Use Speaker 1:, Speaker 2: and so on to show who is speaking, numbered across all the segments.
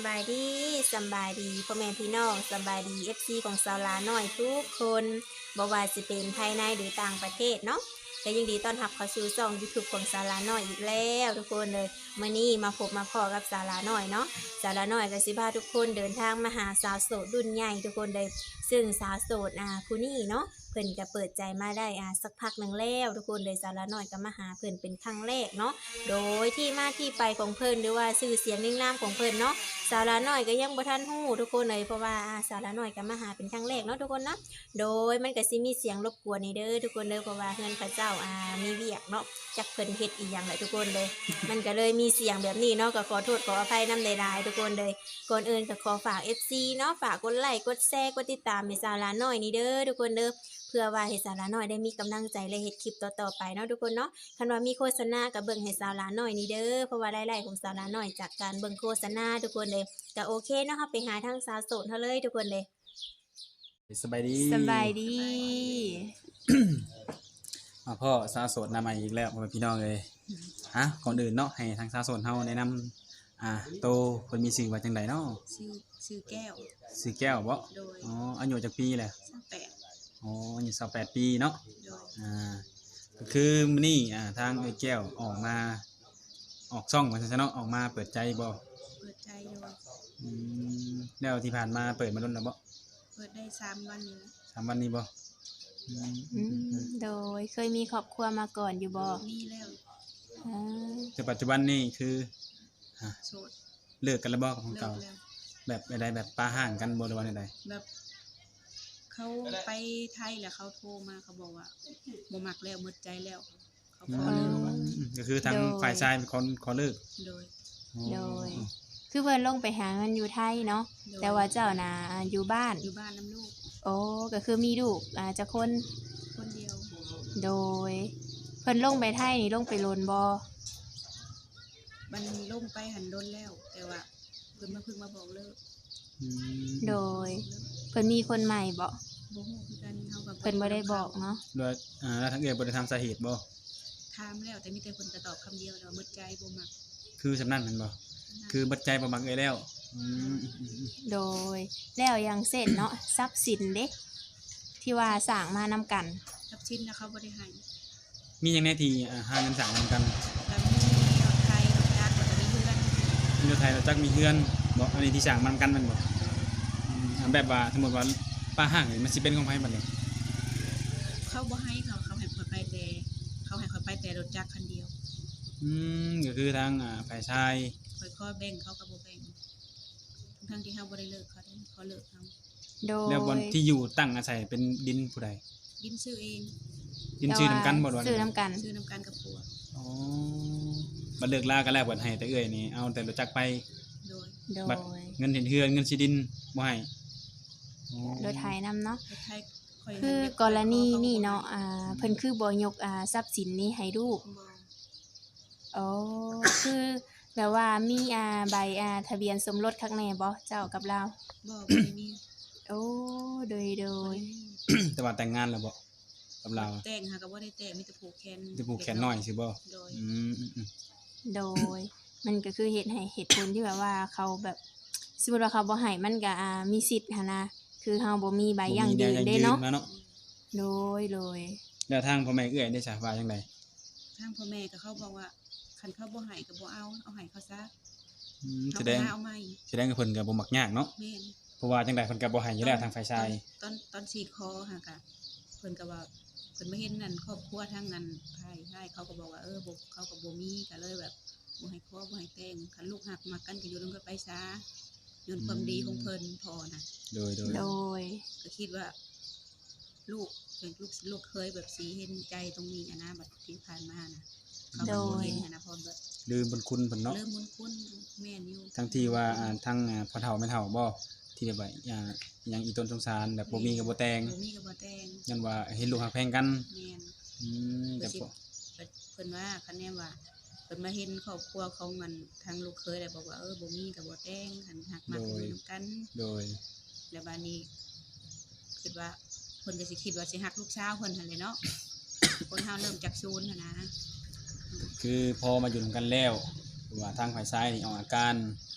Speaker 1: บายดีสำบายดีพ่อแม่พี่น้องสำบายดีFCของสาวลาน้อยทุกคนบ่ว่าสิเป็นภายในหรือต่างประเทศเนาะและยินดีต้อนรับเข้าสู่ช่อง YouTube ของสาวลาน้อยอีกแล้วทุกคนเลยมื้อนี้มาพบมาพอกับสาวลาน้อยเนาะสาวลาน้อยก็สิพาทุกคนเดินทางมาหาสาวโสดรุ่นใหญ่ทุกคนเลยซึ่งสาวโสดผู้นี้เนาะเพิ่นก็เปิดใจมาได้สักพักหนึงแล้วทุกคนเลยสาวลาน้อยก็มาหาเพิ่นเป็นครั้งแรกเนาะโดยที่มาที่ไปของเพิ่นหรือว่าชื่อเสียงนิ่งนามของเพิ่นเนาะ สาวลาน้อยก็ยังบ่ทันฮู้ทุกคนเลยเพราะว่าสาวลาน้อยก็มาหาเป็นครั้งแรกเนาะทุกคนเนาะโดยมันก็สิมีเสียงรบกวนนี่เด้อทุกคนเด้อเพราะว่าเฮือนเขาเจ้ามีเวียกเนาะจักเพิ่นเฮ็ดอีหยังแหละทุกคนเลยมันก็เลยมีเสียงแบบนี้เนาะก็ขอโทษขออภัยนำหลายๆทุกคนเลยก่อนอื่นก็ขอฝาก FC เนาะฝากกดไลค์กดแชร์กดติดตามให้สาวลาน้อยนี่เด้อทุกคนเด้อเพื่อว่าให้สาวลาน้อยได้มีกำลังใจและเฮ็ดคลิปต่อๆไปเนาะทุกคนเนาะคันว่ามีโฆษณาก็เบิ่งให้สาวลาน้อยนี่เด้อเพราะว่ารายได้ของสาวลาน้อยจากการเบิ่งโฆษณาทุกคนเลย ก็โอเคเนาะคะไปหาทางสาวโสดเขาเลยทุกคนเลย
Speaker 2: สบายดี
Speaker 1: สบายดี
Speaker 2: มาพ่อสาวโสดนาใหม่อีกแล้วพ่อแม่พี่น้องเลยก่อนอื่นเนาะให้ทางสาวโสดเฮาแนะนำโตเพิ่นมีชื่อว่าจังไดเนาะ
Speaker 3: ชื่อแก้ว
Speaker 2: ชื่อแก้วบ่
Speaker 3: โดย
Speaker 2: อ๋ออายุจักปีแหละ
Speaker 3: 28
Speaker 2: อ๋ออายุ28ปีเนาะ
Speaker 3: โดย
Speaker 2: ก็คือมื้อนี้ทางไอ้แก้วออกมาออกช่องว่าซั่นเนาะออกมาเปิดใจบ่
Speaker 3: เปิดใจโดย
Speaker 2: แล้วที่ผ่านมาเปิดมาโดนแล้วบ่
Speaker 3: เปิดได้3วันนี้แล้ว
Speaker 2: 3วันนี้บ่
Speaker 1: โดยเคยมีครอบครัวมาก่อนอยู่บ่
Speaker 3: มีแล้ว
Speaker 2: แต่ปัจจุบันนี่คือ
Speaker 3: โสด
Speaker 2: เลิกกันแล้วบ่กับของ
Speaker 3: เลิ
Speaker 2: เก่าก
Speaker 3: แล้ว
Speaker 2: แบบใดแบบปาห่างกันบ่หรือว่าใด
Speaker 3: แบบเขาไปไทยแล้วเขาโทรมาเขาบอกว่าบ่มักแล้วหมดใจแล้วเขาขอเลิก
Speaker 2: ก็คือทางฝ่ายชายเป็นคนขอเลิก
Speaker 3: โดย
Speaker 1: คือเพิ่นลงไปหาเงินอยู่ไทยเนาะแต่ว่าเจ้าน่ะอยู่บ้าน
Speaker 3: น้ำลูก
Speaker 1: โอ้ก็คือมีลูกจักคน
Speaker 3: เดียว
Speaker 1: โดยเพิ่นลงไปไทยนี่ลงไปโลนบ่
Speaker 3: มันลงไปหันโดนแล้วแต่ว่าเพิ่นมาบอกเลิก
Speaker 1: โดยเพิ่นมีคนใหม่บ่
Speaker 3: บ่ฮู้คือกันเฮาก็
Speaker 1: เพิ่นบ่ได้บอกเนาะ
Speaker 2: โดยแล้วทางเอื้อยบ่ได้ทำสาเหตุบ่
Speaker 3: ถามแล้วแต่มีแต่เพิ่นก็ตอบคำเดียวแล้วหมดใจบ่มัก
Speaker 2: คือสำนั้นแม่นบ่คือบัดใจบ่มักเอ้ยแล้ว
Speaker 1: โดยแล้วอย่างเช่นเนาะทรัพย์สินเด้ที่ว่าสร้างมานำกัน
Speaker 3: ทรัพย์สินนะเขาบ่ได้ให้
Speaker 2: มีหยังแน่ที่หาเงินสร้างนำกัน
Speaker 3: แล้วมีรถไทยรถจักรแล้วก็มีเฮือน
Speaker 2: มีรถไทยรถจักรมีเฮือนบ่อันนี้ที่สร้างมานำกันแม่นบ่แบบว่าสมมุติว่าป้าห้างนี่มันสิเป็นของไผบัดนี้
Speaker 3: เขาบ่ให้เขาให้ข่อยไปแต่เขาให้ข่อยไปแต่รถจักรคันเดียว
Speaker 2: ก็คือทางฝ่ายชาย
Speaker 3: ข่อยขอแบ่งเขาก็บ่แบ่งทั้งที่เฮาบ่ได้เลิกเขาเขาเลิกเฮา
Speaker 1: โดย
Speaker 2: แล้วบนที่อยู่ตั้งอาศัยเป็นดินผู้ใด
Speaker 3: ดินซื้อเอง
Speaker 2: ดินชื่อนำกันบ่ว่า
Speaker 1: ซื้อนำกัน
Speaker 3: กับผัว
Speaker 2: อ๋อบัดเลิกลากันแล้วบัดให้แต่เอื้อยนี่เอาแต่รถจักรไป
Speaker 3: โดย
Speaker 2: บัดเงินเห็นเฮือนเงินสิดินบ่ให้
Speaker 1: รถไถนำเนาะ
Speaker 3: รถไถ
Speaker 1: คือกรณีนี่เนาะเพิ่นคือบ่ยกทรัพย์สินนี้ให้ลูกอ๋อคือแบบว่ามีใบทะเบียนสมรสข้างในบ่เจ้ากับเรา
Speaker 3: บ่ได้มี
Speaker 1: โอ้โดย
Speaker 2: แต่ว่าแต่งงานแล้วบ่กับเรา
Speaker 3: แต่งหาก็บ่ได้แต่งมีแต่ผูกแข
Speaker 2: นน้อยสิบ่
Speaker 1: โดยมันก็คือเหตุผลที่แบบว่าเขาแบบสมมุติว่าเขาบ่ให้มันก็มีสิทธิ์หั่นนะคือเฮาบ่มีใบยั่งยืนเด้เนาะโดย
Speaker 2: แล้วทางพ่อแม่เอื้อยได้สาว่าจังได๋
Speaker 3: ทางพ่อแม่ก็เขาบอกว่าคันเขาบ่ให้ก็บ่เอาให้เขาซะ
Speaker 2: แสดงว่าเพิ่นก็บ่มักยากเนาะ
Speaker 3: แม่น
Speaker 2: เพราะว่าจังได๋เพิ่นก็บ่ให้อยู่แล้วทางฝ่ายชาย
Speaker 3: ตอน4คอหากะเพิ่นก็ว่าเพิ่นมาเห็นนั่นครอบครัวทางนั้นใช่เขาก็บอกว่าบ่เขาก็บ่มีก็เลยแบบบ่ให้ขอบ่ให้แต่งคันลูกหักมักกันก็อยู่นำกันไปซะย้อนความดีของเพิ่นพอนะ
Speaker 2: โดย
Speaker 3: ก็คิดว่าลูกเคยแบบสิเห็นใจตรงนี้นะบัดที่ผ่านมานะเขาบ่เห็นนะพอแบบ
Speaker 2: ลืมบุญคุณเพิ่นเนาะ
Speaker 3: ลืมบุญคุณแม่นอยู่
Speaker 2: ทั้งที่ว่าทั้งพ่อเฒ่าแม่เฒ่าบ่ที่แบบอย่างอีต้นสงสารแบบบ่มีก็บ่แต่งยันว่าเห็นลูกฮักแพงกัน
Speaker 3: แม่น
Speaker 2: แต่
Speaker 3: เพิ่นว่าคันแน่ว่าเพิ่นมาเห็นครอบครัวของมันทางลูกเคยแล้วบอกว่าบ่มีก็บ่แต่งหันฮักมักอยู่นำกัน
Speaker 2: โดย
Speaker 3: แล้วบัดนี้คิดว่าเพิ่นก็สิคิดว่าสิฮักลูกสาวเพิ่นหั่นแหละเนาะคนเฮาเริ่มจากศูนย์หั่นนะ
Speaker 2: คือพอมาอยู่นำกันแล้วว่าทางฝ่ายชายนี่ออกอาการ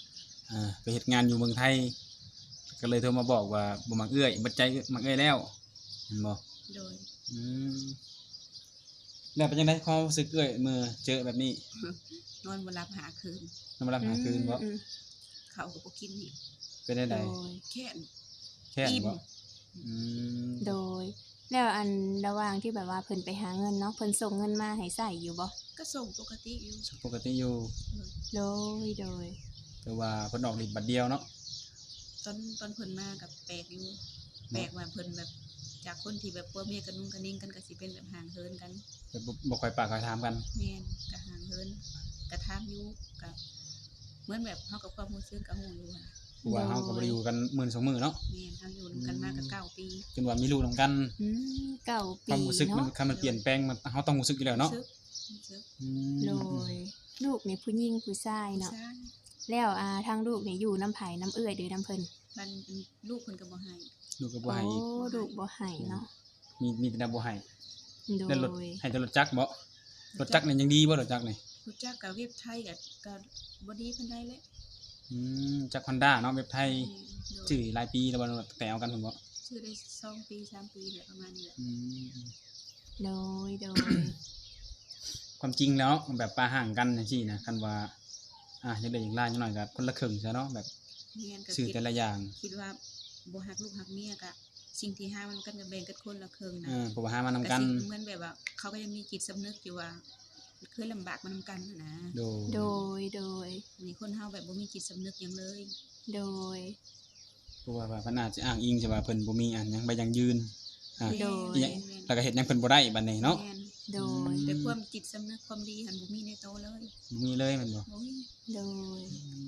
Speaker 2: ไปเฮ็ดงานอยู่เมืองไทยก็เลยโทรมาบอกว่าบ่มักเอื้อยบ่ใจมักเอื้อยแล้วเห็นบ่
Speaker 3: โดย
Speaker 2: อืมแล้วเป็นจังได๋ความรู้สึกเอื้อยเมื่อเจอแบบนี้
Speaker 3: นอนบ่หลับหาคืน
Speaker 2: นำมารับหาคืนบ่
Speaker 1: อืม
Speaker 3: เขาก็บ่กินอีก
Speaker 2: เป็นได้
Speaker 1: โด
Speaker 2: ใด
Speaker 1: ย
Speaker 3: แค่น
Speaker 2: แค่น
Speaker 3: อิ่ม
Speaker 2: บ่อืม
Speaker 1: โดย แล้วอันระหว่างที่แบบว่าเพิ่นไปหาเงินเนาะเพิ่นส่งเงินมาให้ใช้อยู่บ่
Speaker 3: ก็ส่งปกติอยู่
Speaker 2: ปกติอยู่
Speaker 1: โดยโดย
Speaker 2: แต่ว่าเพิ่นออกฤทธิ์บัดเดียวเนาะ
Speaker 3: ตอนเพิ่นมากับแปลกอยู่แปลกว่าเพิ่นแบบจากคนที่แบบผัวเมียกันนุ่งกันนิ่งกันก็สิเป็นแบบห่างเหินกัน
Speaker 2: แต่บ่ค่อยปากค่อยถามกัน
Speaker 3: แม่นก็ห่างเหินก็ถามอยู่ก็เหมือนแบบเฮากับความรู้สึกก็ฮู้อยู่หั่นน่ะ
Speaker 2: เพราะว่าเฮาก็บ่ได้อยู่กันมื้อ2มื้อเนาะ
Speaker 3: แม่นเฮาอยู่นำกันมาก็9 ปี
Speaker 2: จนว่ามีลูกนํกัน
Speaker 1: อืมเก้า
Speaker 2: ค
Speaker 1: ปี
Speaker 2: วามรู้สึกมัน
Speaker 1: เนาะ
Speaker 2: คันมันเปลี่ยนแปลงมันเฮาต้องรู้สึกอยู่แล้วเนาะ
Speaker 3: รู้สึก
Speaker 2: อื
Speaker 1: โด
Speaker 2: ม
Speaker 1: ย ลูกนี่ผู้หญิงผู้ชาย
Speaker 3: ผู้
Speaker 1: เนาะ
Speaker 3: ชาย
Speaker 1: แล้วทางลูกนี่อยู่น้ำไผน้ำเอื้อยหรือน้ำเพิ่น
Speaker 3: มันลูกเพิ่นก็บ่ให้
Speaker 2: ลูกก็บ่
Speaker 1: โอ้
Speaker 2: ให้อีก
Speaker 1: ลูกบ่ให้เนาะ
Speaker 2: มีแต่บ่ให้
Speaker 1: โด
Speaker 2: แล้วรถ
Speaker 1: ย
Speaker 2: ให้แต่รถจักรบ่รถจักรนี่ยังดีบ่รถจักรนี่
Speaker 3: รู้จักกับเว็บไทยก็บ่ดีปานใดแหละ
Speaker 2: จักร Honda เนาะเว็บไทย
Speaker 3: โดย
Speaker 2: ชื่อหลายปีแล้วบ่แต่เอากันพุ่นบ่
Speaker 3: ชื่อได้2 ปี 3 ปีแหละประมาณนี้แหละ
Speaker 2: อืม
Speaker 1: โดยโดย
Speaker 2: ความจริงแล้วแบบปาห่างกันจังซี่นะคันว่าอยากได้อย่างหลายจังหน่อยก็คนละครึ่งซะเนาะแบบ
Speaker 3: แม่นก็
Speaker 2: ซื้อ
Speaker 3: คิด
Speaker 2: แต่ละอย่าง
Speaker 3: คิดว่าบ่ฮักลูกฮักเมียก็สิ่งที่หามันกันก็แบ่งกันคนละครึ่งนะ
Speaker 2: เพราะว่าหามานำกัน
Speaker 3: สิเหมือนแบบว่าเขาก็ยังมีจิตสำนึกอยู่ว่าเคยลำบากมานำกันนะ
Speaker 2: โด
Speaker 1: โดยโดย
Speaker 3: นี่คนเฮาแบบบ่มีจิตสำนึกหยังเลย
Speaker 1: โดย
Speaker 2: เพราะว่าเพิ่นอาจจะอ้างอิงใช่ว่าเพิ่นบ่มีอันหยังใบยังยืนอ่า
Speaker 1: โดย
Speaker 2: อีหยังแล้วก็เฮ็ดหยังเพิ่นบ่ได้บัดนี้เนาะ
Speaker 3: แม่น
Speaker 1: โดย
Speaker 3: แต่ความจิตสำนึกความดีหันบ่มีในโตเลย
Speaker 2: บ่มีเลยแม่นบ่
Speaker 3: บ่มี
Speaker 1: โดย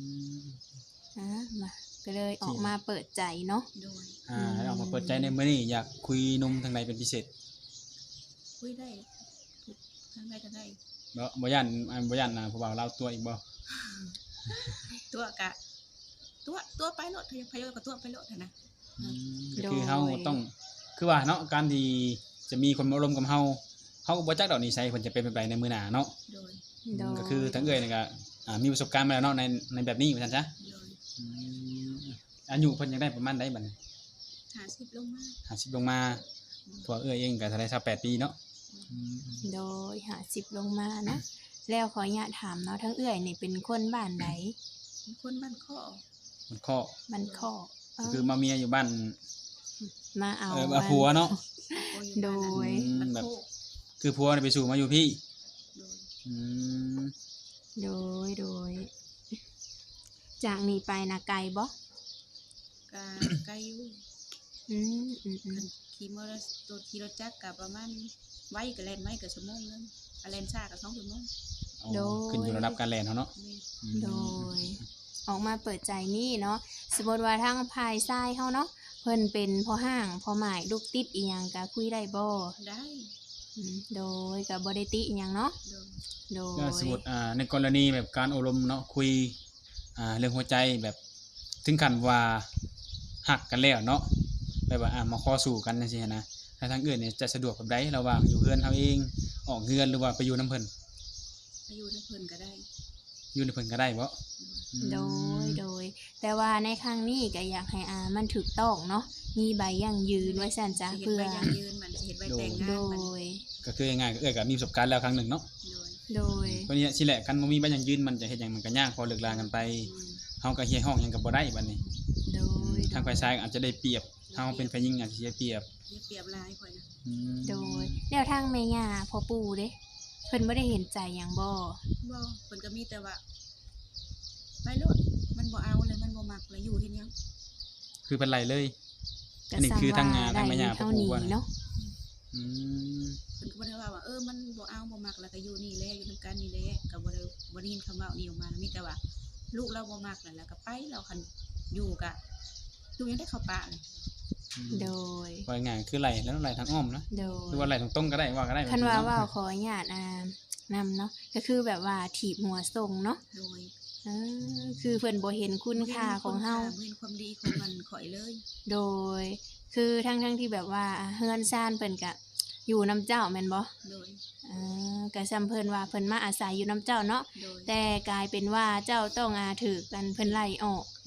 Speaker 1: มาก็เลยออกมาเปิดใจเนาะ
Speaker 3: โดย
Speaker 2: ให้ออกมาเปิดใจในมื้อนี้อยากคุยหนุ่มทางใดเป็นพิเศษ
Speaker 3: คุยได้ทางใดก็ได้
Speaker 2: บ่ย่านบ่ย่านผู้บ่าวลาวตัวอีกบ่
Speaker 3: ตัวกะตัวไปโลดพยอยกับตัวไปโลดนะ
Speaker 2: ก็คือเฮาต้องคือว่าเนาะการที่จะมีคนมาร่วมกับเฮาก็บ่จักดอกนิสัยเพิ่นจะเป็นแบบใดในมื้อหน้าเนาะ
Speaker 3: โดย
Speaker 1: โดย
Speaker 2: ก็คือทั้งเอ้ยนี่ก็มีประสบการณ์มาแล้วเนาะในแบบนี้ว่าซั่นซะ
Speaker 3: โดย
Speaker 2: อายุเพิ่นยังได้ประมาณใดบัดนี้
Speaker 3: 50ลงมา
Speaker 2: 50ลงมาตัวเอ้ยเองก็เท่าไหร่28ปีเนาะ
Speaker 1: โดย50ลงมาเนาะแล้วขออนุญาตถามเนาะทั้งเอื้อยนี่เป็นคนบ้านใด
Speaker 3: เป็นคนบ้านข้อ
Speaker 2: มันข้อ
Speaker 1: บ้านคอก
Speaker 2: ก็คือมาเมียอยู่บ้าน
Speaker 1: มาเอา
Speaker 2: มาผัวเนาะ
Speaker 1: โดย
Speaker 3: บ้าน
Speaker 2: แบบ
Speaker 3: โคก
Speaker 2: คือผัวนี่ไปสู่มาอยู่พี่
Speaker 3: โดย
Speaker 2: อืม
Speaker 1: โดยโดย จากนี้ไปนะไกลบ่
Speaker 3: กะไกลอยู่
Speaker 1: อืมอืมอืม
Speaker 3: ขี่มอเตอร์ตัวขี่รถจักรกะประมาณไว้ก็แล่นไว้ก็ชั่วโมงนึงอะแล่นช้าก็2 ชั่วโมง
Speaker 2: ขึ้นอยู่ระดับการแล่นเฮาเนาะ
Speaker 3: แม่
Speaker 1: โดย ออกมาเปิดใจนี่เนาะสมมติว่าทางภายซ้ายเฮาเนาะเพิ่นเป็นพ่อห้างพ่อหมายลูกติดอีหยังก็คุยได้บ่
Speaker 3: ได้
Speaker 1: โดยก็บ่ได้ติอีหยังเนาะ
Speaker 3: โดย
Speaker 1: โดย
Speaker 2: ก็สมมุติในกรณีแบบการอบรมเนาะคุยเรื่องหัวใจแบบถึงขั้นว่าหักกันแล้วเนาะแบบว่ามาขอสู่กันจังซี่หั้นนะถ้าทางอื่นเนี่ยจะสะดวกแบบใดระหว่างอยู่เฮือนเฮาเองออกเฮือนหรือว่าไปอยู่นํเพิ่น
Speaker 3: อายุนักเพิ่นก็ได้
Speaker 2: อยู่ในเพิ่นก็ได้บ่
Speaker 1: โดยโดย แต่ว่าในครั้งนี้ก็อยากให้มันถูกต้องเนาะมีใบยั่งยืนไว้ซั่นจ้ะ
Speaker 3: สิเฮ็ด
Speaker 1: เพื่อ
Speaker 3: ใบยังยืนมันสิเฮ็ดใบแต่ง
Speaker 1: โด
Speaker 3: งานมัน
Speaker 1: ย
Speaker 2: ก็คือง่ายๆก็ก็มีประสบการณ์แล้วครั้งหนึ่งเนาะ
Speaker 3: โดย
Speaker 1: โดย
Speaker 2: เพราะนี้สิแหละกันบ่มีใบหยังยืนมันจะเฮ็ดหยังมันก็ยากพอเลิกลากันไปเฮาก็เฮียห้องหยังก็บ่ได้บัดนี้
Speaker 1: โดย
Speaker 2: ทางฝ่ายชายอาจจะได้เปรียบเฮาเป็นฝ่ายหญิงอาจจะเสียเปรียบ
Speaker 3: นี่เปรียบหลายข่อยนะ
Speaker 1: โดยแล้วทางแม่ย่าพ่อปู่เด้เพิ่นบ่ได้เห็นใจหยังบ่
Speaker 3: บ่เพิ่นก็มีแต่ว่าไปโลดมันบ่เอาเลยมันบ่มักเลยอยู่เฮ็ดหยัง
Speaker 2: คือเป็นไรเลย
Speaker 1: ก็
Speaker 2: อันนี้คือทางงานทางแม่ย่า
Speaker 1: เท่า
Speaker 2: พ่อปู่
Speaker 1: นี้
Speaker 2: ว่านะ
Speaker 1: เนาะ
Speaker 2: อืม
Speaker 3: เพิ่นก็บ่ได้ว่ามันบ่เอาบ่มักแล้วก็อยู่นี่แหละอยู่นํกันนี่แหละก็บ่ได้ยินคำเว้านี้ออกมามีแต่ว่า ลูกเราบ่มักนั่นแหละก็ไปเราคันอยู่ก็อยู่ยังได้เข้าป่าเลย
Speaker 1: โดย
Speaker 2: ว่าง่ายคือไหลแล้วไหลทางอ้อมนะ
Speaker 1: โด
Speaker 2: หรือย ว่าไหลตรงๆก็ได้ว่าก็ได้
Speaker 1: คันว่าเว้าขออนุญาตนำเนาะก็คือแบบว่าถีบหัวส่งเนาะ
Speaker 3: โดย
Speaker 1: คือเพิ่นบ่เห็นคุณค่าของเฮา
Speaker 3: บ่เห็นความดีของมันข่อยเลย
Speaker 1: โดย คือทั้งที่แบบว่าเฮือนซ่านเพิ่นก็อยู่น้ำเจ้าแม่นบ่
Speaker 3: โดย
Speaker 1: ก็ซ้ำเพิ่นว่าเพิ่นมาอาศัยอยู่น้ำเจ้าเนาะ
Speaker 3: โดย
Speaker 1: แต่กลายเป็นว่าเจ้าต้องถูกกันเพิ่นไล่ออก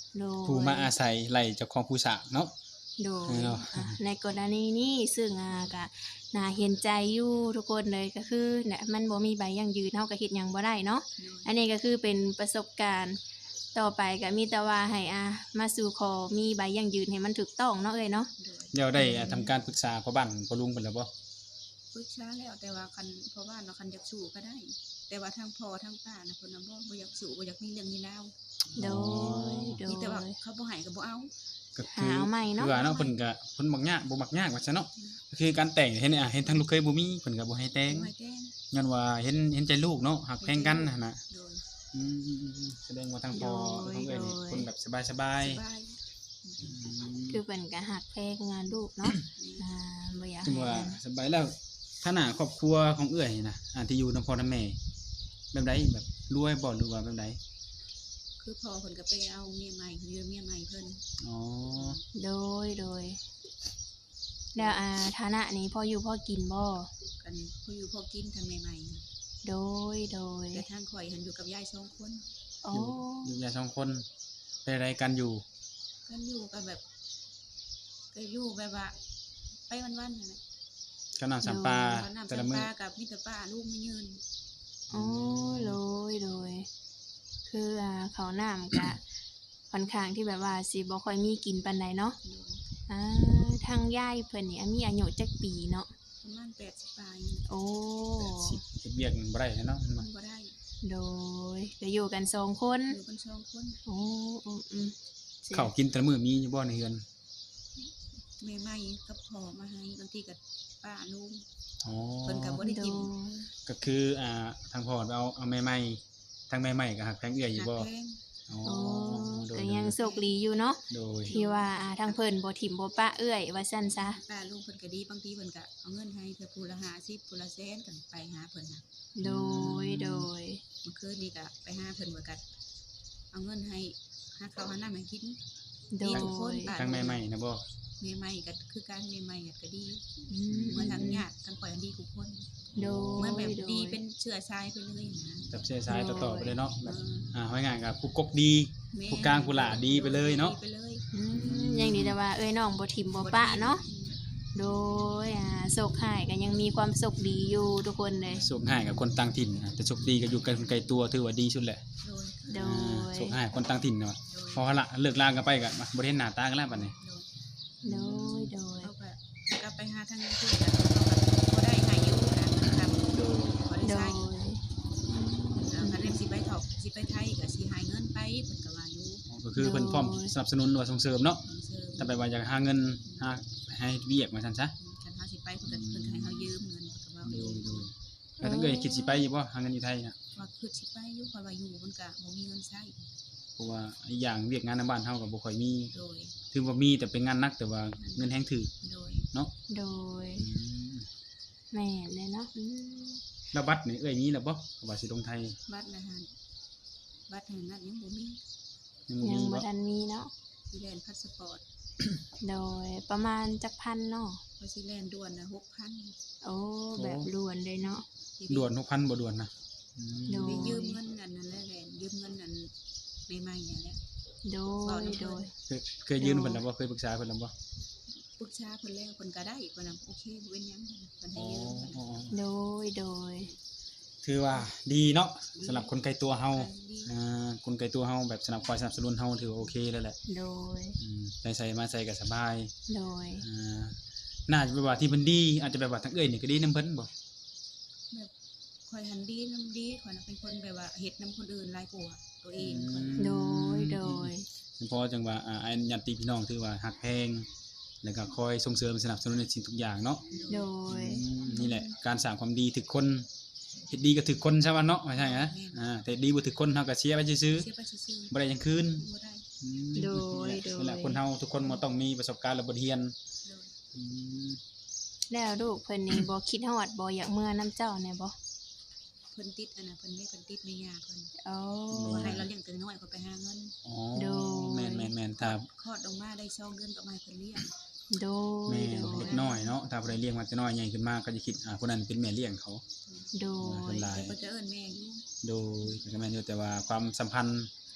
Speaker 1: โดย
Speaker 2: ผู้มาอาศัยไล่เจ้าของผู้สร้างเนาะ
Speaker 1: โดย
Speaker 2: เนาะ
Speaker 1: ในกรณีนี้ซึ่งก็น่าเห็นใจอยู่ทุกคนเลยก็คือเนี่ยมันบ่มีใบยั่งยืนเฮาก็เฮ็ดหยังบ่ได้เนาะ
Speaker 3: โดย
Speaker 1: อันนี้ก็คือเป็นประสบการณ์ต่อไปก็มีแต่ว่าให้มาสู่ขอมีใบยั่งยืนให้มันถูกต้องเนาะเอ้ยเนาะ
Speaker 3: โดย
Speaker 2: เดี๋ยวได้ทำการปรึกษาพ่อบ้านพ่อลุงเพิ่นแล้วบ่
Speaker 3: ปรึกษาแล้วแต่ว่าคันเพราะว่าเนาะคันอยากสู้ก็ได้ แต่ว่าทางพ่อทางป้าน่ะเพิ่นน่ะบ่อยากสู้บ่อยากมีเรื่องมีราว
Speaker 1: โดยโด
Speaker 3: มี
Speaker 1: ย
Speaker 3: แต่ว่าเขาบ่ให้ก็บ่เอา
Speaker 2: ก็คือ
Speaker 1: หาใหม่เนาะ
Speaker 2: คือว่าเนาะเพิ่นก็เพิ่นมักยากบ่มักยากว่าซั่นเนาะก็คือการแต่งเห็นเห็นทางลูกเคยบ่มีเพิ่นก็บ่ให้แต่ง
Speaker 3: บ่ให้แต่ง
Speaker 2: ย้อนว่าเห็นใจลูกเนาะหักแพงกันหั่นน่ะ
Speaker 3: โดย
Speaker 2: อืมแสดงว่าทางพ่อของเอ้ยนี่คนแบบสบาย
Speaker 3: สบาย
Speaker 2: ๆ
Speaker 1: คือเพิ่นก็ฮักแพงงานลูกเนาะบ่อยาก
Speaker 2: ถึง
Speaker 1: ให้
Speaker 2: ว่าสบายแล้วฐานะครอบครัวของเอื้อยนี่นะที่อยู่นำพ่อนำแม่แบบใดแบบรวยบ่หรือว่าแบบใด
Speaker 3: คือพ่อเพิ่นก็ไปเอาเมียใหม่เมียใหม่เพิ่น
Speaker 2: อ๋อ
Speaker 1: โดยแล้วฐานะนี้พออยู่พอกินบ่
Speaker 3: กันผู้อยู่พอกินทางใหม่ๆนะ
Speaker 1: โดย
Speaker 3: แต่ทางข่อยหันอยู่กับยาย2คน
Speaker 1: โอ้
Speaker 2: อยู่ยายสองคนเป็นอะไรกันอยู่
Speaker 3: กันอยู่กับแบบก็อยู่แบบว่าไปวันๆนั่นแหละ
Speaker 2: กำลังสัมปลา
Speaker 3: เอาน้ำ
Speaker 2: แต่
Speaker 3: สั
Speaker 2: ละ
Speaker 3: ม
Speaker 2: มื้อ
Speaker 3: ปากับมิตรป้าลูกไม่ยืน
Speaker 1: โอ้โดยคือเขาวน้ำก็ค่อนข้างที่แบบว่าสิบ่ค่อยมีกินปานใดเนาะ
Speaker 3: โดย
Speaker 1: ทางยายเพิ่นนี่มีอายุจักปีเนาะ
Speaker 3: ประมาณ80ปลาย
Speaker 1: โอ้
Speaker 2: 80เฮ็ดเวียกบ่ได้เนาะ
Speaker 3: มันบ่ได้
Speaker 1: โดยก็อยู่กัน2คน
Speaker 3: อยู่กัน2คน
Speaker 1: โอ้สิ
Speaker 2: ข้าวกินแต่ละมื้อมีอยู่บ่ในเฮือน
Speaker 3: แม่ใหม่กับพ่อมาให้บางทีก็ป้าลุง
Speaker 2: อ๋อ
Speaker 3: เพิ่นก็บ่ได้
Speaker 1: โด
Speaker 3: กิน
Speaker 1: ย
Speaker 2: ก็คือทางพ่อไปเอาแม่ใหม่ทางแม่ใหม่ก็หักแพงเอื้อยอยู่
Speaker 3: หัก
Speaker 2: บ่
Speaker 3: แพง
Speaker 2: อ๋อ
Speaker 1: โอ้
Speaker 2: โดย
Speaker 1: ก็ยังโชคดีอยู่เนาะ
Speaker 2: โดย
Speaker 1: ที่ว่าทางเพิ่นบ่ถิ่มบ่ปะเอื้อยว่าซั่นซะ
Speaker 3: ป้าลุงเพิ่นก็ดีบางทีเพิ่นก็เอาเงินให้เทื่อผู้ละ50ผู้ละแสนกันไปหาเพิ่นน่ะ
Speaker 1: โดย
Speaker 3: เมื่อคืนนี้ก็ไปหาเพิ่นว่าก็เอาเงินให้หาข้าวหาน้ำให้กิน
Speaker 1: โด
Speaker 3: ดี
Speaker 1: ย
Speaker 3: ทุกคนป้า
Speaker 2: ทางแม่ใหม่นะบ่
Speaker 3: แม่ใหม่ก็คือการแม่ใหม่ก็ดี
Speaker 1: อื
Speaker 3: เหมือนทางญาติทางข่อยดีทุกคน
Speaker 1: โดย
Speaker 3: เหมือนแบบ
Speaker 1: โดย
Speaker 3: ดีเป็นเชื้อชายไปเลยนะ
Speaker 2: จับเส้นสายต่อๆไปเลยเนาะ
Speaker 3: เอ
Speaker 2: แบบ
Speaker 3: อ
Speaker 2: ห้อยงานกับผู้กกดี
Speaker 3: แม่
Speaker 2: ผู้กลางผู้หลาดีไปเลยเนาะ
Speaker 3: ดีไปเลย
Speaker 1: อืมยังดีแต่ว่าเอ้ยน้องบ่ถิ่มบ่ปะเนาะโดยโศกหายก็ยังมีความสุขดีอยู่ทุกคนเลย
Speaker 2: สุขง่ายกับคนต่างถิ่นนะแต่สุขดีก็อยู่กันไกลตัวถือว่าดีสุดแหละ
Speaker 3: โดย
Speaker 1: โดย
Speaker 2: สุขง่ายคนต่างถิ่นเนาะ
Speaker 3: โดย
Speaker 2: พอละเลิกลากันไปกันมาบ่ได้เห็นหน้าตากันแล้วบัดนี้
Speaker 3: โดย
Speaker 1: โดย
Speaker 3: เขาก็กลับไปหาทางนี้คือกันเขาก็บ่ได้ให้อยู่นะครับ
Speaker 2: โดย
Speaker 3: บ่ได้
Speaker 1: โด
Speaker 3: ใช้
Speaker 1: ย
Speaker 3: คันเล่มสิไปถอกสิไปไทยก็สิให้เงินไปเพิ่นก็ว่าอยู่
Speaker 2: ก็คือเพิ่นพร้อมสนับสนุนหรือว่าส่งเสริมเนาะ
Speaker 3: เสริม
Speaker 2: ถ้าไปว่าอยากหาเงินหาให้เวียกมาซั่นซะ
Speaker 3: คันเฮาสิไปเพิ่นก็ให้เฮายืมเงินเพิ่นก็ว่า
Speaker 2: โด
Speaker 3: อยู่
Speaker 2: ยโดยแล้วถ้าเกิดคิดสิไปอยู่บ่หาเงินอยู่ไทยน่ะ
Speaker 3: ว่าคือสิไปอยู่เพราะว่าอยู่มันก็บ่มีเงินใช้
Speaker 2: เพราะว่าอีกอย่างเวียกงานในบ้านเฮาก็บ่ค่อยมี
Speaker 3: โดย
Speaker 2: ถึงว่ามีแต่เป็นงานหนักแต่ว่าเงินแฮงถือ
Speaker 3: โดย
Speaker 2: เนาะ
Speaker 1: โดย
Speaker 2: อืม
Speaker 1: แม่นเลยเนาะอืม
Speaker 2: แล้วบัตรนี่เอ้ยมีแล้วบ่ว่าสิลงไทย
Speaker 3: บัตรนะฮะบัตรแห่งนั้นยังบ่มี
Speaker 2: ยังบ่
Speaker 1: ยัง
Speaker 2: มี
Speaker 1: บ่
Speaker 2: บ่
Speaker 1: ทันมีเนาะ
Speaker 3: สิแลนด์พาสปอร์ต
Speaker 1: โดยประมาณจักพันเนาะ
Speaker 3: พอสิแลนด์ด่วนน่ะ6,000
Speaker 1: โอ้แบบด่วนเลยเนาะ
Speaker 2: ด่วน6,000บ่ด่วนนะอืม
Speaker 1: โด
Speaker 3: ไปยืมเงินอันนั้นแหละแลนด์ยืมเงินอันใหม่ๆนั่นแหละ
Speaker 1: โดยโดย
Speaker 2: เคยยืนเพิ่นแล้วบ่เคยปรึกษาเพิ่นแล้วบ่
Speaker 3: ปรึกษาเพิ่นแล้วเพิ่นก็ได้เพิ่นน่ะโอเคบ่เป็นหยังเพิ่นให้
Speaker 2: อ๋อ
Speaker 3: ยืมเพิ่น
Speaker 2: อ๋อ
Speaker 1: โดยโดย
Speaker 2: ถือว่าดีเนาะสำหรับคนไกลตัวเฮา
Speaker 3: ดี
Speaker 2: คนไกลตัวเฮาแบบสนับคอยสนับสนุนเฮาถือว่าโอเคแล้วแหละ
Speaker 1: โดย
Speaker 2: ไปใส่มาใส่ก็สบาย
Speaker 1: โดย
Speaker 2: น่าจะเป็นว่าที่เพิ่นดีอาจจะแบบว่าทั้งเอ้ยนี่ก็ดีนํเพิ่นบ่
Speaker 3: แบบข่อยหันดีนํดีข่อยน่ะเป็นคนแบบว่าเฮ็ดนํคนอื่นหลายกว่าตัวเองข่อย
Speaker 1: โดยโดย
Speaker 2: เพราะจังว่าอันญาติพี่น้องถือว่าฮักแพงแล้วก็คอยส่งเสริมสนับสนุนในสิ่งทุกอย่างเนาะ
Speaker 1: โดย
Speaker 2: นี่แหละการสร้างความดีถึกคนเฮ็ดดีก็ถึกคนใช่ป่ะเนาะไม่ใช่ฮะแต่ดีบ่ถึกคนเฮาก็เสียไปซื่อ
Speaker 3: เสียไปซื่อ
Speaker 2: ๆบ่ได้หยังคืน
Speaker 3: ๆบ่ได้
Speaker 1: โดย
Speaker 2: นี่แหละคนเฮาทุกคนบ่ต้องมีประสบการณ์และบทเรียน
Speaker 3: โดย
Speaker 2: อืม
Speaker 1: แล้วลูกเพิ่นนี่บ่คิดฮอดบ่อยากเมื่อน้ำเจ้าแน่บ่
Speaker 3: เพิ่นติดอันน่ะเพิ่นไม่เพิ่นติดแม่ย่าเพิ่น
Speaker 1: โอ้
Speaker 3: ว่าให้เราเลี้ยงแต่น้อยก็ไปหาเงิน
Speaker 2: อ๋อ
Speaker 1: โดย
Speaker 2: แม่นๆถ้า
Speaker 3: คลอดออกมาได้2เดือนก็มาให้เพิ่นเลี้ยง
Speaker 1: โดย
Speaker 2: แม่
Speaker 1: โดย
Speaker 2: เด็กน้อยเนาะถ้าผู้ใดเลี้ยงมาแต่น้อยใหญ่ขึ้นมาก็จะคิดคนนั้นเป็นแม่เลี้ยงเขา
Speaker 1: โด
Speaker 2: คน
Speaker 1: ย
Speaker 2: หลาย
Speaker 3: เพิ่นจะเอิ้นแม่อยู่
Speaker 2: โดยก็แม่นอยู่แต่ว่าความสัมพันธ์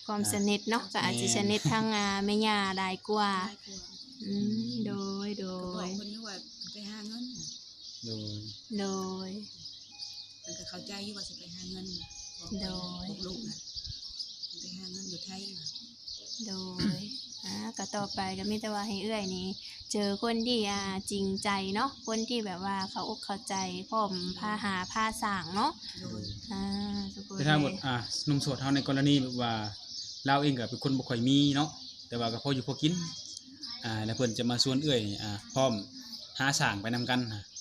Speaker 1: ความสนิทเนาะก็อาจสิสนิททางแม่ย่าได้กว่า
Speaker 3: หลายกว่า
Speaker 1: โดยโด
Speaker 3: ก็บอก
Speaker 1: ย
Speaker 3: เพิ่นอยู่ว่าไปหาเงิน
Speaker 2: โดย
Speaker 1: โดย
Speaker 3: เพิ่นก็เข้าใจอยู่ว่าสิไปหาเงินบอก
Speaker 1: โดย
Speaker 3: พวกลูกน่ะไปหาเงินอยู่ไทยน่ะ
Speaker 1: โดยก็ต่อไปก็มีแต่ว่าให้เอื้อยนี่เจอคนที่จริงใจเนาะคนที่แบบว่าเขาอกเข้าใจพร้อมพาหาพาสร้างเนาะ
Speaker 3: โดย
Speaker 1: ทุกคน
Speaker 2: แต่ถ้าหมดหนุ่มโสดเฮาในกรณีแบบว่าเราเองก็เป็นคนบ่ค่อยมีเนาะแต่ว่าก็พออยู่พอกินแล้วเพิ่นจะมาชวนเอื้อยนี่พร้อมหาสร้างไปนำกัน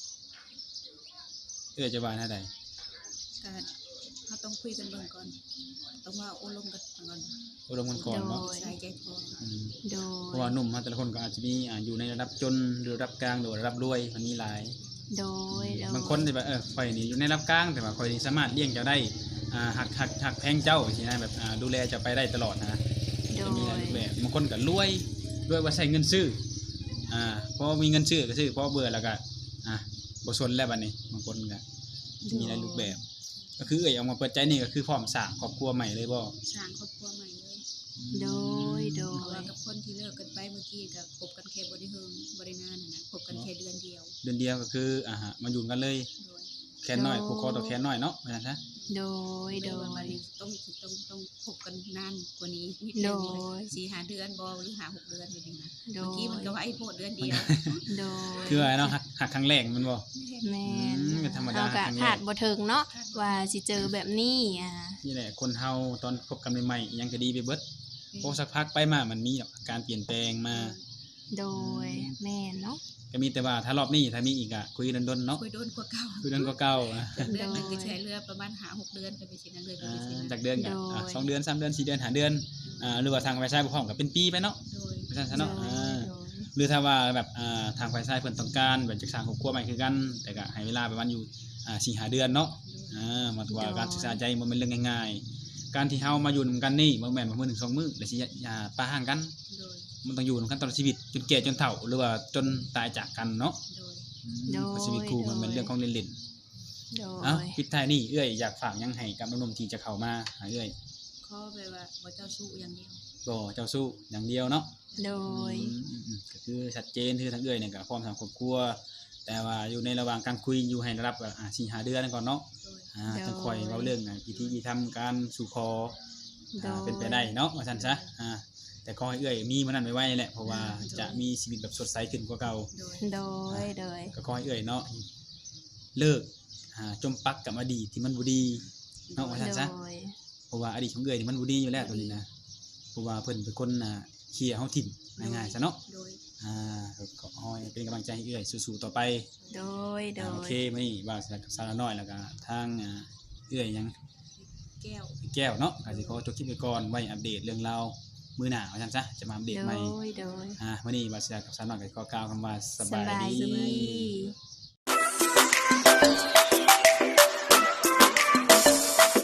Speaker 2: เอื้อยจะว่าแนวใด
Speaker 3: ก็เราต้องคุยกันเบิ่งก่อนต้องว่าอบรมกันก่อน
Speaker 2: อบรมกันก่อนเนาะ
Speaker 3: ใส่ใจคอ
Speaker 2: อืม
Speaker 1: โด
Speaker 2: เพราะว่าย หนุ่มเฮาแต่ละคนก็อาจจะมีอยู่ในระดับจนหรือระดับกลางหรือระดับรวยมันมีหลาย
Speaker 1: โดยโดย
Speaker 2: บางคนที่แบบข่อยนี่อยู่ในระดับกลางแต่ว่าข่อยนี่สามารถเลี้ยงเจ้าได้หักแพงเจ้าสินะแบบดูแลเจะไปได้ตลอดนะ
Speaker 1: โด
Speaker 2: จะมีหลาย
Speaker 1: ย
Speaker 2: รูปแบบบางคนก็รวยว่าใช้เงินซื้อพอมีเงินซื้อก็ซื้อพอเบื่อแล้วก็บ่สนแล้วบัดนี้บางคนก็จะมีหลายรูปแบบ ก็คือเอามาเปิดใจนี่ก็คือพร้อมสร้างครอบครัวใหม่เลยบ่
Speaker 3: สร้างครอบครัวใหม่เลย
Speaker 1: โดยโด
Speaker 3: เพราะว่าย กับคนที่เลิกกันไปเมื่อกี้ก็คบกันแค่บ่ได้เฮิงบ่ได้นานนะคบกันแค่เดือนเดียว
Speaker 2: เดือนเดียวก็คือมาอยู่กันเลย
Speaker 3: โดย
Speaker 2: แค่น้อยผูกคอต่อแค่น้อยเนาะว่าซั่นซะ
Speaker 1: โดย
Speaker 3: โด
Speaker 1: โด
Speaker 3: ยวัน
Speaker 1: ย
Speaker 3: นี้ต้องคบกันนานกว่านี้นิด
Speaker 1: โด
Speaker 3: นึง
Speaker 1: ย
Speaker 3: 4-5 เดือนบ่หรือ5-6 เดือนแบบนี้นะ
Speaker 1: โด
Speaker 3: เมื่อกี้มันก็ว่าไอ้โพดเดือนเดียว
Speaker 1: โดย
Speaker 2: คือว่าเนาะหักครั้งแรกมันบ่
Speaker 1: แม่น
Speaker 2: ก็ธรรมดา
Speaker 1: เฮาก็
Speaker 2: ครั้งแรก
Speaker 1: ขาดบ่ถึงเนาะว่าสิเจอแบบนี้
Speaker 2: นี่แหละคนเฮาตอนคบกันใหม่ๆอิหยังก็ดีไปเบิดพอสักพักไปมามันมีการเปลี่ยนแปลงมา
Speaker 1: โดยแม่นเนาะ
Speaker 2: ก็มีแต่ว่าถ้ารอบนี้ถ้ามีอีกคุยดนๆเนาะ
Speaker 3: คุยโดนกว่าเก่า
Speaker 2: คุยดนก็เก่า
Speaker 3: เดือนหนึงก็ใช้เรือประมาณ5-6 เดือนไปสินะเลยไปสินะ
Speaker 2: จากเดือนก็2 เดือน 3 เดือน 4 เดือน 5 เดือนหรือว่าทางฝ่ายชายบ่พร้อมก็เป็นปีไปเนาะ
Speaker 3: โดย
Speaker 2: ว่าซั่นซะเนาะ
Speaker 1: โดย
Speaker 2: หรือถ้าว่าแบบทางฝ่ายชายเพิ่นต้องการแบบจะสร้างครอบครัวใหม่คือกัน แต่ก็ให้เวลาประมาณอยู่4-5 เดือนเนาะมาถือว่าการศึกษาใจบ่แม่นเรื่องง่ายๆการที่เฮามาอยู่นำกันนี่บ่แม่นว่ามื้อ1 2 มื้อแล้วสิปะห่างกัน
Speaker 3: โดย
Speaker 2: มันต้องอยู่นำกันตลอดชีวิตจนแก่จนเฒ่าหรือว่าจนตายจากกันเนาะ
Speaker 3: โดย
Speaker 2: เพราะชีวิตคู่มันเป็นเรื่องของเล่น
Speaker 1: โด
Speaker 2: ๆเอ้าย ปิดท้ายนี่เอ้ยอยากฝากหยังให้กับหนุ่มๆที่จะเข้ามาหาเอ้ย
Speaker 3: ขอแบบว่าบ่เจ้าชู้อย่างเดียว
Speaker 2: บ่เจ้าสู้อย่างเดียวเนาะ
Speaker 1: โดย
Speaker 2: ก็คือชัดเจนคือทางเอ้ยเนี่ยก็พร้อมทางครอบครัวแต่ว่าอยู่ในระหว่างการคุยอยู่ให้ระดับ4-5 เดือนก่อนเนาะ
Speaker 3: โดย
Speaker 2: จังค่อยเว้าเรื่องพิธีทำการสู่ขอ
Speaker 1: โดย
Speaker 2: เป็นไปได้เนาะว่าซั่นซะแต่ขอให้เอ้ยมีมื้อนั้นไว้ๆแหละเพราะว่าจะมีชีวิตแบบสดใสขึ้นกว่าเก่า
Speaker 3: โดย
Speaker 1: โดยโดย
Speaker 2: ก็ขอให้เอ่ยเนาะเลิกจมปักกับอดีตที่มันบ่ดีเนาะว่าซั่นซะ
Speaker 1: โดย
Speaker 2: เพราะว่าอดีตของเอ่ยนี่มันบ่ดีอยู่แล้วตัวนี้นะเพราะว่าเพิ่นเป็นคนเคลียร์เฮาทิ่มง่ายๆซะเนาะ
Speaker 3: โดย
Speaker 2: ก็ขอให้เป็นกำลังใจให้เอ่ยสู้ๆต่อไป
Speaker 1: โดยโด
Speaker 2: โอย เคมื้อนี้ว่ากับสาวน้อยแล้วก็ทางเอ่ยยัง
Speaker 3: แก้ว
Speaker 2: แก้วเนาะก็สิขอจบคลิปไปก่อนไว้อัปเดตเรื่องราวมื้อหน้าว่าซั่นซะจะมาอัปเดต
Speaker 1: โด
Speaker 2: ใหม่
Speaker 1: ยโดย
Speaker 2: มื้อนี้ว่าสิกับสาวน้อยก็ขอกล่าวคำว่าส
Speaker 1: ส
Speaker 2: บาย
Speaker 1: บาย
Speaker 2: ดี
Speaker 1: ดี